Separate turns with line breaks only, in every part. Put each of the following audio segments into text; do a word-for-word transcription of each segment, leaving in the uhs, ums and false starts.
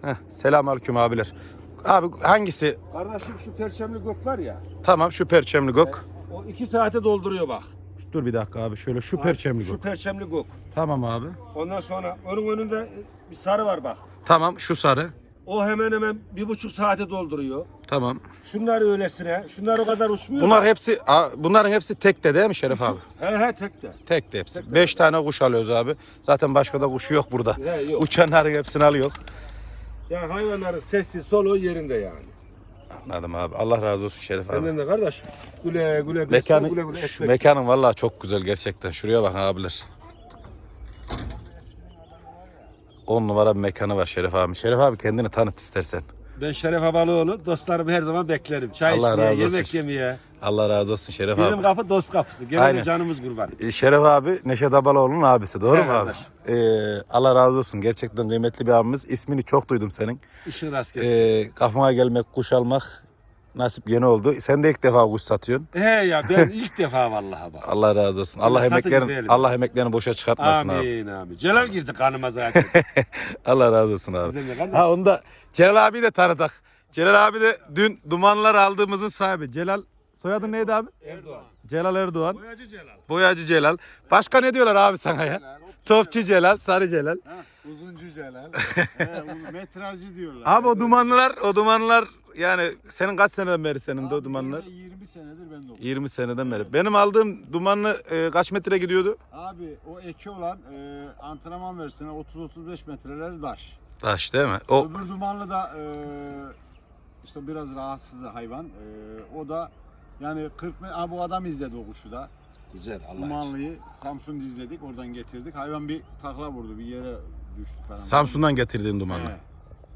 Heh, selamünaleyküm abiler. Abi hangisi?
Kardeşim şu perçemli gök var ya.
Tamam şu perçemli gök.
O iki saate dolduruyor bak.
Dur bir dakika abi şöyle şu perçemli
Şu
gök.
perçemli gök.
Tamam abi.
Ondan sonra onun önünde bir sarı var bak.
Tamam şu sarı.
O hemen hemen bir buçuk saate dolduruyor.
Tamam.
Şunlar öylesine. Şunlar o kadar uçmuyor.
Bunlar hepsi a- bunların hepsi tekte değil mi Şeref abi?
He he tek de.
Tekte hepsi. Beş tane kuş alıyoruz abi. Zaten başka da kuşu yok burada.
He, yok.
Uçanların hepsini alıyor.
Yani hayvanların sesi soluğu yerinde yani.
Anladım abi. Allah razı olsun Şeref abi.
Senden de kardeş. Güle güle.
Mekanı,
güle güle
şu
ekmek.
mekanın vallahi çok güzel gerçekten. Şuraya bakın abiler. On numara bir mekanı var Şeref abi. Şeref abi kendini tanıt istersen.
Ben Şeref Abalıoğlu. Dostlarımı her zaman beklerim. Çay
Allah
içmeye,
razı olsun.
yemek yemeye.
Allah razı olsun Şeref
Bizim
abi.
kapı dost kapısı. Gelin
Aynen.
de canımız kurban.
Ee, Şeref abi Neşet Abaloğlu'nun abisi. Doğru
Evet
mu abi? Ee, Allah razı olsun. Gerçekten kıymetli bir abimiz. İsmini çok duydum senin.
İşin rast gelsin.
Ee, kafama gelmek, kuş almak nasip yeni oldu. Sen de ilk defa kuş satıyorsun.
He ya ben ilk defa vallahi bak.
Allah razı olsun. Allah
satıcı
emeklerini
değilim.
Allah emeklerini boşa çıkartmasın abi.
Amin amin. Celal girdi kanıma zaten.
Allah razı olsun abi.
Sizden de kardeş.
Ha onu da Celal abi de tanıdık. Celal abi de dün dumanlar aldığımızın sahibi. Celal soyadın neydi abi?
Erdoğan.
Celal Erdoğan.
Boyacı Celal.
Boyacı Celal. Başka ne diyorlar abi sana ya? Topçu Celal, Sarı Celal.
Uzuncu Celal. He, uz- metrajcı diyorlar.
Abi o dumanlar, o dumanlar yani senin kaç seneden beri senin de o
Abi
dumanlar?
benim de yirmi senedir ben de okuyorum.
yirmi seneden beri. Benim aldığım dumanlı e, kaç metre gidiyordu?
Abi o eki olan e, antrenman versine otuz otuz beş metreleri taş.
Taş değil mi? O
Öbür dumanlı da e, işte biraz rahatsız hayvan. E, o da yani kırk metre. Abi bu adam izledi o kuşu da.
Güzel Allah için.
Dumanlıyı Samsun'da izledik. Oradan getirdik. Hayvan bir takla vurdu. Bir yere düştü falan.
Samsun'dan getirdiğim dumanlı.
He.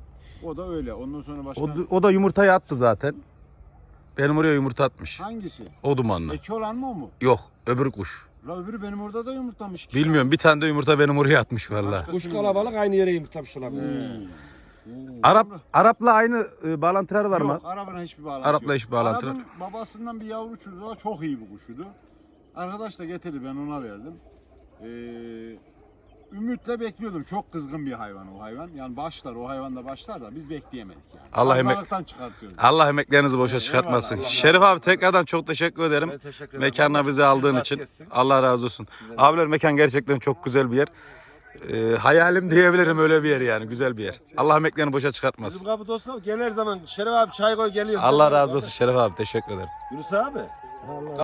O da öyle. Ondan sonra başka
O, o da yumurtayı attı zaten. Benim oraya yumurta atmış.
hangisi?
O dumanlı.
Eki olan mı o mu?
Yok, öbür kuş.
La öbürü benim orada da yumurtlamış ki.
Bilmiyorum, bir tane de yumurta benim oraya atmış valla.
Başka-
Kuş kalabalık aynı yere yumurtlamış olabilir.
Arap Arap'la aynı e, bağlantıları var mı?
Yok, Arap'la hiçbir bağlantı
Arap'la
yok.
hiçbir bağlantı
Arap'ın babasından bir yavru uçurdu. O çok iyi bir kuşuydu. Arkadaş da getirdi, ben ona verdim. Ee, ümitle bekliyordum. Çok kızgın bir hayvan o hayvan. Yani başlar, o hayvan da başlar da biz bekleyemedik yani.
Allah emek-
Pazarlıktan çıkartıyoruz.
Allah emeklerinizi boşa çıkartmasın.
eyvallah.
Şerif abi tekrardan çok teşekkür ederim.
Ben teşekkür ederim.
Mekanına
Allah
bizi
razı
aldığın
olsun.
için.
Rast gelsin.
Allah razı olsun. Abiler mekan gerçekten çok güzel bir yer. Ee, hayalim diyebilirim öyle bir yer yani. Güzel bir yer. Allah emeklerini boşa
Bizim
çıkartmasın.
kapı dost kapı. Gel her zaman. Şeref abi çay koy geliyor.
Allah razı olsun Şerif abi. Teşekkür ederim.
Yunus abi.